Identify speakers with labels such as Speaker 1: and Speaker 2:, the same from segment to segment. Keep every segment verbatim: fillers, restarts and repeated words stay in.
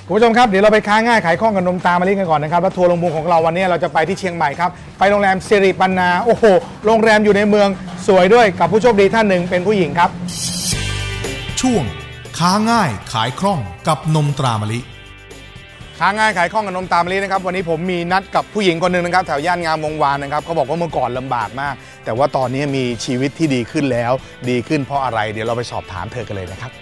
Speaker 1: คุณผู้ชมครับเดี๋ยวเราไปค้าง่ายขายคล่องกับนมตามะลิกันก่อนนะครับแล้วทัวร์ลงพุงของเราวันนี้เราจะไปที่เชียงใหม่ครับไปโรงแรมสิริปันนาโอ้โหโรงแรมอยู่ในเมืองสวยด้วยกับผู้โชคดีท่านหนึ่งเป็นผู้หญิงครับ
Speaker 2: ช่วงค้าง่ายขายคล่องกับนมตรามะลิ
Speaker 1: ค้าง่ายขายคล่องกับนมตามะลินะครับวันนี้ผมมีนัดกับผู้หญิงคนหนึ่งนะครับแถวย่านงามวงวานนะครับเขาบอกว่าเมื่อก่อนลำบากมากแต่ว่าตอนนี้มีชีวิตที่ดีขึ้นแล้วดีขึ้นเพราะอะไรเดี๋ยวเราไปสอบถามเธอกันเลยนะครับ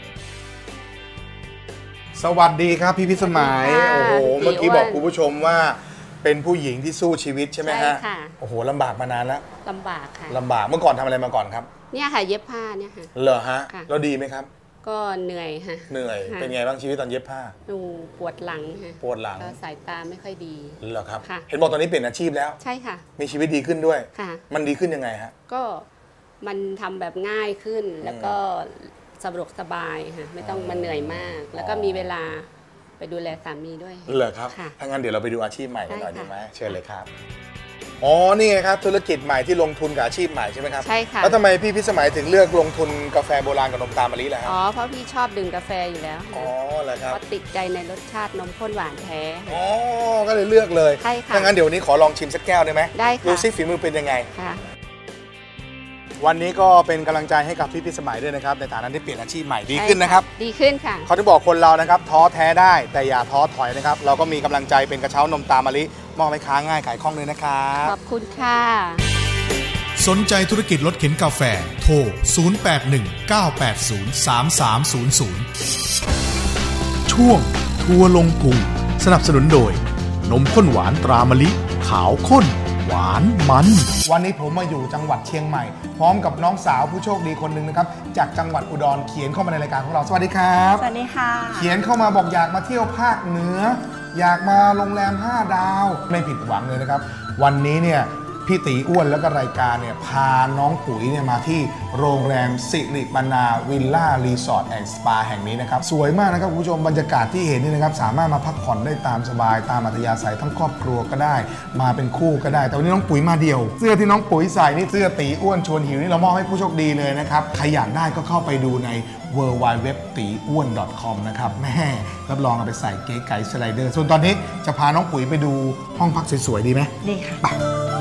Speaker 1: สวัสดีครับพี่พิสมัยโอ้โหเมื่อกี้บอกคุณผู้ชมว่าเป็นผู้หญิงที่สู้ชีวิตใช่ไหมฮะใช่ค่ะโอ้โหลำบากมานานแล้ว
Speaker 3: ลำบากค่ะ
Speaker 1: ลำบากเมื่อก่อนทำอะไรมาก่อนครับ
Speaker 3: เนี่ยค่ะเย็บผ้าเนี่ยค่ะ
Speaker 1: เหรอฮะแล้วดีไหมครับ
Speaker 3: ก็เหนื่อยค่ะ
Speaker 1: เหนื่อยเป็นไงบ้างชีวิตตอนเย็บผ้า
Speaker 3: ดูปวดหลังค่ะ
Speaker 1: ปวดหลัง
Speaker 3: สายตาไม่ค่อยดี
Speaker 1: เหรอครับเห็นบอกตอนนี้เปลี่ยนอาชีพแล้ว
Speaker 3: ใช่ค่ะ
Speaker 1: มีชีวิตดีขึ้นด้วย
Speaker 3: ค่ะ
Speaker 1: มันดีขึ้นยังไงฮะ
Speaker 3: ก็มันทำแบบง่ายขึ้นแล้วก็สะดวกสบายค่ะไม่ต้องมาเหนื่อยมากแล้วก็มีเวลาไปดูแลสามีด้วย
Speaker 1: เหรอครับถ้างั้นเดี๋ยวเราไปดูอาชีพใหม่กันหน่อยดีไหมเชิญเลยครับอ๋อนี่ไงครับธุรกิจใหม่ที่ลงทุนกับอาชีพใหม่ใช่ไหมครับ
Speaker 3: ใช่ค่ะ
Speaker 1: แล้วทำไมพี่พิสมัยถึงเลือกลงทุนกาแฟโบราณกับนมตามะลิล่ะครับ
Speaker 3: อ๋อเพราะพี่ชอบดื่มกาแฟอยู่แล้ว
Speaker 1: อ๋อเหรอครับ
Speaker 3: เพราะติดใจในรสชาตินมข้นหวานแท้
Speaker 1: อ๋อก็เลยเลือกเลย
Speaker 3: ใช่ค่ะ
Speaker 1: ถ้างั้นเดี๋ยววันนี้ขอลองชิมสักแก้วได้ไหม
Speaker 3: ได้ค่ะ
Speaker 1: ดูซิฝีมือเป็นยังไง
Speaker 3: ค่ะ
Speaker 1: วันนี้ก็เป็นกำลังใจให้กับพี่พิสมัยด้วยนะครับในฐานะที่เปลี่ยนอาชีพใหม่ดีขึ้นนะครับ
Speaker 3: ดีขึ้นค่ะ
Speaker 1: เขาที่บอกคนเรานะครับท้อแท้ได้แต่อย่าท้อถอยนะครับเราก็มีกำลังใจเป็นกระเช้านมตามะลิมอบให้ค้าง่ายขายคล่องเลยนะครับ
Speaker 3: ขอบคุณค่ะ
Speaker 2: สนใจธุรกิจรถเข็นกาแฟโทรศูนย์ แปด หนึ่ง เก้า แปด ศูนย์ สาม สาม ศูนย์ ศูนย์ช่วงทัวร์ลงพุงสนับสนุนโดยนมข้นหวานตรามะลิขาวข้นหวานมัน
Speaker 1: วันนี้ผมมาอยู่จังหวัดเชียงใหม่พร้อมกับน้องสาวผู้โชคดีคนหนึ่งนะครับจากจังหวัดอุดรเขียนเข้ามาในรายการของเราสวัสดีครับ
Speaker 4: สวัสดีค่ะ
Speaker 1: เขียนเข้ามาบอกอยากมาเที่ยวภาคเหนืออยากมาโรงแรมห้าดาวไม่ผิดหวังเลยนะครับวันนี้เนี่ยพี่ตีอ้วนแล้วก็รายการเนี่ยพาน้องปุ๋ยเนี่ยมาที่โรงแรมสิริปันนาวิลล่ารีสอร์ทแอนด์สปาแห่งนี้นะครับสวยมากนะครับคุณผู้ชมบรรยากาศที่เห็นนี่นะครับสามารถมาพักผ่อนได้ตามสบายตามอัธยาศัยทั้งครอบครัวก็ได้มาเป็นคู่ก็ได้แต่วันนี้น้องปุ๋ยมาเดี่ยวเสื้อที่น้องปุ๋ยใส่นี่เสื้อตีอ้วนชวนหิวนี่เรามอบให้ผู้โชคดีเลยนะครับใครอยากได้ก็เข้าไปดูใน ดับเบิลยู ดับเบิลยู ดับเบิลยู ดอท ตีอ้วน ดอท คอม นะครับแม่รับรองเอาไปใส่เก๋ไก๋สไลเดอร์ส่วนตอนนี้จะพาน้องปุ๋ยไปดูห้องพักสวยๆดีไหม
Speaker 4: ดีค่ะ
Speaker 1: ไป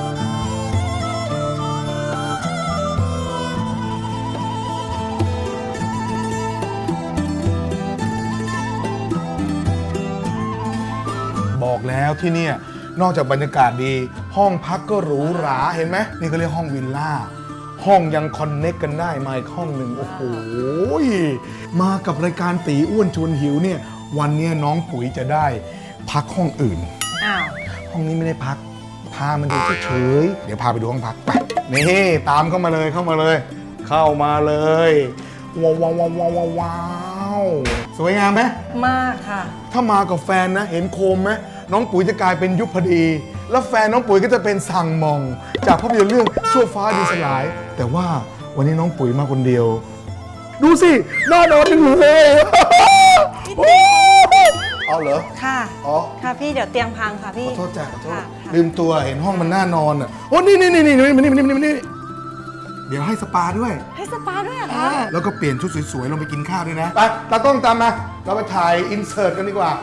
Speaker 1: บอกแล้วที่นี่นอกจากบรรยากาศดีห้องพักก็หรูหราเห็นไหมนี่เขาเรียกห้องวิลล่าห้องยังคอนเน็กกันได้มาอีกห้องหนึ่งโอ้โหมากับรายการตีอ้วนชวนหิวเนี่ยวันนี้น้องปุ๋ยจะได้พักห้องอื่น
Speaker 4: อ้าว
Speaker 1: ห้องนี้ไม่ได้พักพามันดูเฉยๆเดี๋ยวพาไปดูห้องพักไปนี่ตามเข้ามาเลยเข้ามาเลยเข้ามาเลยว้าวว้าวว้าวว้าวสวยงามไหม
Speaker 4: มากค่ะ
Speaker 1: ถ้ามากับแฟนนะเห็นโคมไหมน้องปุ๋ยจะกลายเป็นยุพดีแล้วแฟนน้องปุ๋ยก็จะเป็นสั่งมองจากภาพยนตร์เรื่องชั่วฟ้าดินสลายแต่ว่าวันนี้น้องปุ๋ยมาคนเดียวดูสิน่านอนจังเลยเอาเหรอ
Speaker 4: ค่ะ
Speaker 1: อ๋อ
Speaker 4: ค่ะพี่เดี๋ยวเตียงพังค่ะพี่
Speaker 1: ขอโทษจ้ะขอโทษลืมตัวเห็นห้องมันน่านอนอ่ะโอ้นี่นี่นี่นี่นี่นี่นี่นี่เดี๋ยวให้สปาด้วย
Speaker 4: ให้สปาด้วยเหรอคะ
Speaker 1: แล้วก็เปลี่ยนชุดสวยๆลงไปกินข้าวด้วยนะไปตากล้องตามมาเราไปถ่ายอินเสิร์ตกันดีกว่า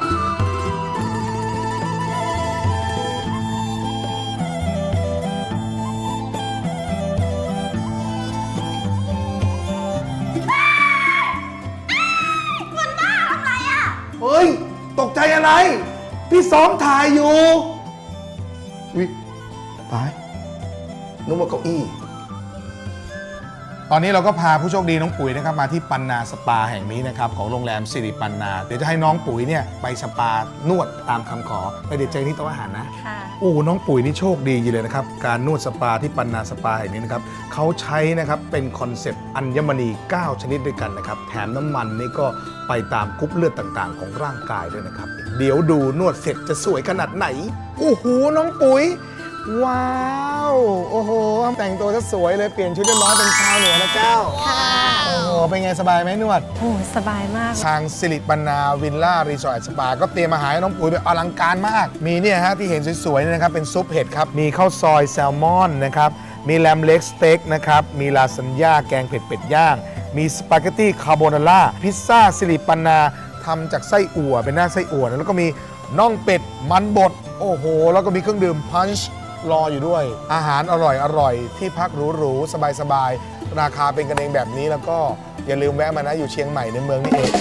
Speaker 1: เฮ้ยตกใจอะไรพี่ซ้อมถ่ายอยู่วิตายนึกว่าเก้าอี้ตอนนี้เราก็พาผู้โชคดีน้องปุ๋ยนะครับมาที่ปันนาสปาแห่งนี้นะครับของโรงแรมสิริปันนาเดี๋ยวจะให้น้องปุ๋ยเนี่ยไปสปานวดตามคำขอไปเดี๋ยวเจอที่โต๊ะอาหารนะ
Speaker 4: ค่ะ
Speaker 1: โอ้น้องปุ๋ยนี่โชคดีอยู่เลยนะครับการนวดสปาที่ปันนาสปาแห่งนี้นะครับเขาใช้นะครับเป็นคอนเซปต์อัญมณีเก้าชนิดด้วยกันนะครับแถมน้ำมันนี่ก็ไปตามกรุ๊ปเลือดต่างๆของร่างกายด้วยนะครับเดี๋ยวดูนวดเสร็จจะสวยขนาดไหนโอ้โหน้องปุ๋ยว้าวโอ้โหแต่งตัวจะสวยเลยเปลี่ยนชุดเรียบร้อยเป็นชาวเหนือนะเจ้า
Speaker 4: ค่ะ
Speaker 1: โอ้โหเป็นไงสบายไหมนวด
Speaker 4: โอ้สบายมาก
Speaker 1: ทางสิริปันนาวิลล่ารีสอร์ทสปาก็เตรียมอาหารให้น้องปุ๋ยแบบอลังการมากมีเนี่ยฮะที่เห็นสวยๆนี่นะครับเป็นซุปเห็ดครับมีข้าวซอยแซลมอนนะครับมีแลมเล็กสเต็กนะครับมีลาซานญ่าแกงเผ็ดเป็ดย่างมีสปาเกตตี้คาโบนาร่าพิซซ่าสิริปันนาทำจากไส้อั่วเป็นหน้าไส้อั่วนะแล้วก็มีน่องเป็ดมันบดโอ้โหแล้วก็มีเครื่องดื่มพันช์รออยู่ด้วย อาหารอร่อยอร่อยที่พักหรูๆสบายๆราคาเป็นกันเองแบบนี้แล้วก็อย่าลืมแวะมานะอยู่เชียงใหม่ในเมืองนี่เอง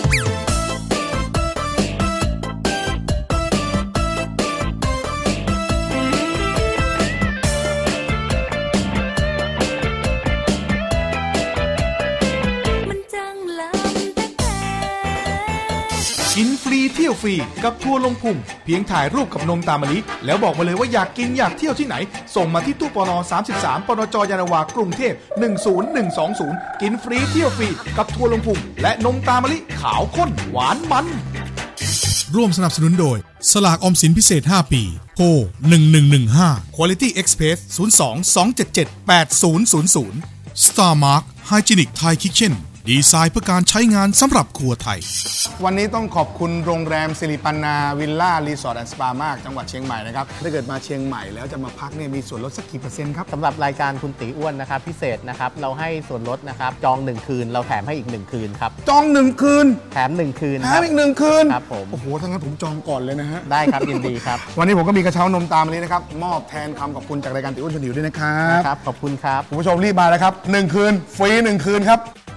Speaker 2: กินฟรีเที่ยวฟรีกับทัวร์ลงพุงเพียงถ่ายรูปกับนมตามมะลิแล้วบอกมาเลยว่าอยากกินอยากเที่ยวที่ไหนส่งมาที่ตู้ปนสามสิบสามปนจยานนาวากรุงเทพหนึ่งศูนย์หนึ่งสองศูนย์กินฟรีเที่ยวฟรีกับทัวร์ลงพุงและนมตามมะลิขาวข้นหวานมันร่วมสนับสนุนโดยสลากออมสินพิเศษห้าปีโทรหนึ่งหนึ่งหนึ่งห้า Quality Express ศูนย์ สอง สอง เจ็ด เจ็ด แปด ศูนย์ ศูนย์ ศูนย์ Star Mark Hygienic Thai Kitchen ดีไซน์เพื่อการใช้งานสำหรับครัวไทย
Speaker 1: วันนี้ต้องขอบคุณโรงแรมสิริปันนาวิลล่ารีสอร์ทแอนด์สปามากจังหวัดเชียงใหม่นะครับถ้าเกิดมาเชียงใหม่แล้วจะมาพักเนี่ยมีส่วนลดสักกี่เปอร์เซ็นต์ครับ
Speaker 5: สำหรับรายการคุณตีอ้วนนะครับพิเศษนะครับเราให้ส่วนลดนะครับจองหนึ่งคืนเราแถมให้อีกหนึ่งคืนครับ
Speaker 1: จองหนึ่งคืน
Speaker 5: แถมหนึ่งคืน
Speaker 1: แถมอีกหนึ่งคืน
Speaker 5: ครับผม
Speaker 1: โอ้โหถ้างั้นผมจองก่อนเลยนะฮะ
Speaker 5: ได้ครับยินดีครับ
Speaker 1: วันนี้ผมก็มีกระเช้านมตามมานี้นะครับมอบแทนคำขอบคุณจากรายการตีอ้วนชวนหิวด้วยนะครับ
Speaker 5: ครับขอบคุณครับ
Speaker 1: คุณผู้ชมรีบมาเลยครับหนึ่งคืนฟรีหนึ่งคืนครับ